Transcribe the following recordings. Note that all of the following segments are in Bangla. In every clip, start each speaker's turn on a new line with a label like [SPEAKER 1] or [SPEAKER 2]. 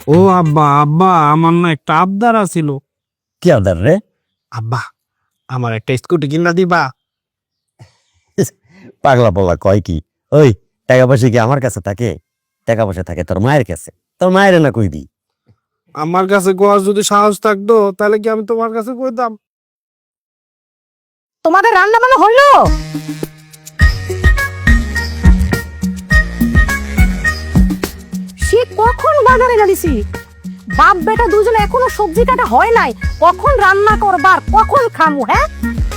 [SPEAKER 1] ও আব্বা আব্বা, আমার না একটা আবদার আছিল।
[SPEAKER 2] কি আবদার রে?
[SPEAKER 1] আব্বা, আমার একটা স্কুটি কিনা দিবা?
[SPEAKER 2] পাগলা পোলা কয় কি? ওই টাকা পয়সা কি আমার কাছে থাকে? টাকা পয়সা থাকে তোর মায়ের কাছে। তোর মায়ের না কই দি?
[SPEAKER 1] আমার কাছে গোয়ার যদি সাহস থাকতো তাহলে কি আমি তোমার কাছে কইতাম?
[SPEAKER 3] তোমাদের রান্না বান্না হলো? সে কখন বাজারে গেলিছি? বাপ বেটা দুজনে এখনো সবজি কাটা হয় নাই, কখন রান্না করবার, কখন খামু? হ্যাঁ,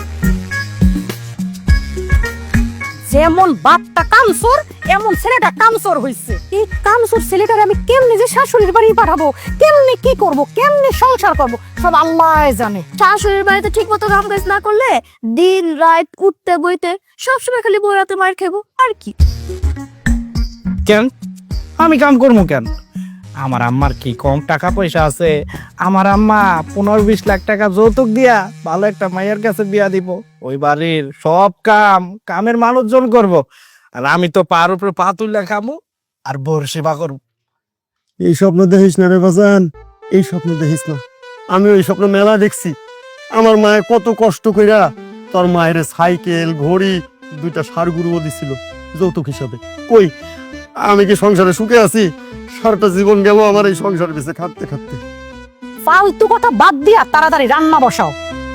[SPEAKER 3] যেমন বাপটা কামসুর এমন ছেলেটা কামসুর হইছে। এই কামসুর ছেলেটারে আমি কেমনে যে শাশুড়ির বাড়ি পাঠাবো, কেমনে কি করব, কেমনে সংসার করব, সব আল্লাহ জানে।
[SPEAKER 4] শাশুড়ির বাড়িতে ঠিক মতো কাম কাজ না করলে দিন রাত উঠতে বইতে সবসময় খালি বইরাতে মার খাবো আর কি।
[SPEAKER 1] কেন আমি কাম করবো কেন? আমার আম্মার কি কম টাকা পয়সা আছে? আমার আম্মা 15-20 লাখ টাকা যৌতুক দিয়া ভালো একটা মায়ের কাছে বিয়া দিব। ওই বাড়ির সব কামের মানুষজন করব, আর আমি তো পার উপরে পা তুলে খামু আর বোর সেবা করবো।
[SPEAKER 2] এই স্বপ্ন দেখিস না রে বাজান, এই স্বপ্ন দেখিস না। আমি ওই স্বপ্ন মেলা দেখছি। আমার মায়ে কত কষ্ট কইরা তোর মায়ের সাইকেল ঘড়ি 2টা ষাঁড় গরুও দিছিল যৌতুক হিসাবে। কই আমি কি সংসারে সুখে আছি? সারাটা জীবন গেল আমার এই সংসার বেঁচে খাটতে খাটতে।
[SPEAKER 3] ফালতু কথা বাদ দিয়া তাড়াতাড়ি রান্না বসাও।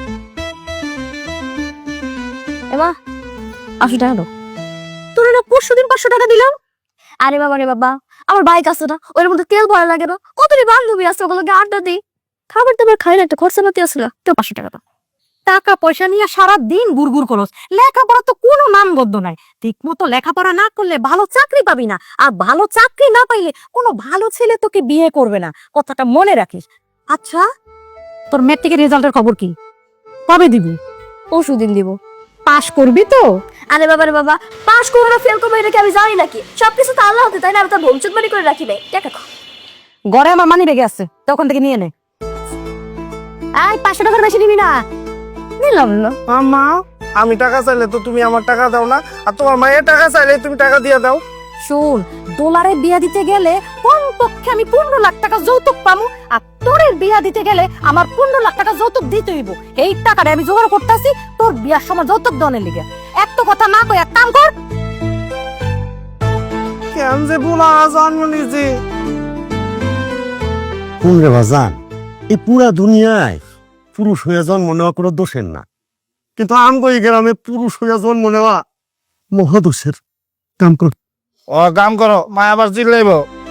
[SPEAKER 4] এমা 80 টাকা দাও। তোর না 500 টাকা দিলাম। আরে বাবা রে বাবা, আমার বাইক আছে না, ওর মধ্যে তেল ভরা লাগে না, কতটি বান্ধবী আছে, ওগুলোকে আড্ডা দিই, খাবার দাবার খাই না, একটা খরচা পাতি আসলে তো 500 টাকা দাও।
[SPEAKER 3] টাকা পয়সা নিয়ে সারা দিন গুড়গুড় করস, লেখাপড়া তো কোনো নামগন্ধ নাই। ঠিক মতো লেখাপড়া না করলে ভালো চাকরি পাবি না, আর ভালো চাকরি না পাইলে কোনো ভালো ছেলে তোকে বিয়ে করবে না, কথাটা মনে রাখিস। আচ্ছা, তোর ম্যাট্রিকের রেজাল্টের খবর কি? কবে দিবি?
[SPEAKER 4] পরশু দিন দিব।
[SPEAKER 3] পাশ করবি তো?
[SPEAKER 4] আরে বাবা রে বাবা, পাস করবো না ফেল করবো এটা কি আমি জানি নাকি? সবকিছু তো আল্লাহ হতে, তাই না? আমি তো ভবিষ্যৎ বাণী করে রাখি নাই। টাকা খাও।
[SPEAKER 3] ঘরে আমার মানি বেগে আছে, তখন থেকে নিয়ে নে। এই 500 টাকার বেশি নিবি না।
[SPEAKER 4] নিলাম না।
[SPEAKER 1] আম্মা, আমি টাকা চাইলে তো তুমি আমার টাকা দাও না, আর তোমার মায়ের টাকা চাইলে তুমি টাকা দিয়ে দাও।
[SPEAKER 3] শোন, ডলারে বিয়া দিতে গেলে কমপক্ষে আমি 15 লাখ টাকা যৌতুক পামু, আর তোরের বিয়া দিতে গেলে আমার 15 লাখ টাকা যৌতুক দিতে হইব। এই টাকাটা আমি জোগাড় করতেছি তোর বিয়ার সময় যৌতুক দনের লিগে। এত কথা না কই এক কাম কর।
[SPEAKER 1] কেন যে ভুলা জন্ম নিয়েছি।
[SPEAKER 2] কোন রে বাজান, এই পুরা দুনিয়ায় পুরুষ হয়ে জন্ম নেওয়া কোনো দোষের না, কিন্তু আমগো এই গ্রামে পুরুষ হয়ে জন্ম নেওয়া মহাদোষের। কাম কর।
[SPEAKER 1] ও কাম করো, মা আবার চিল্লাইব।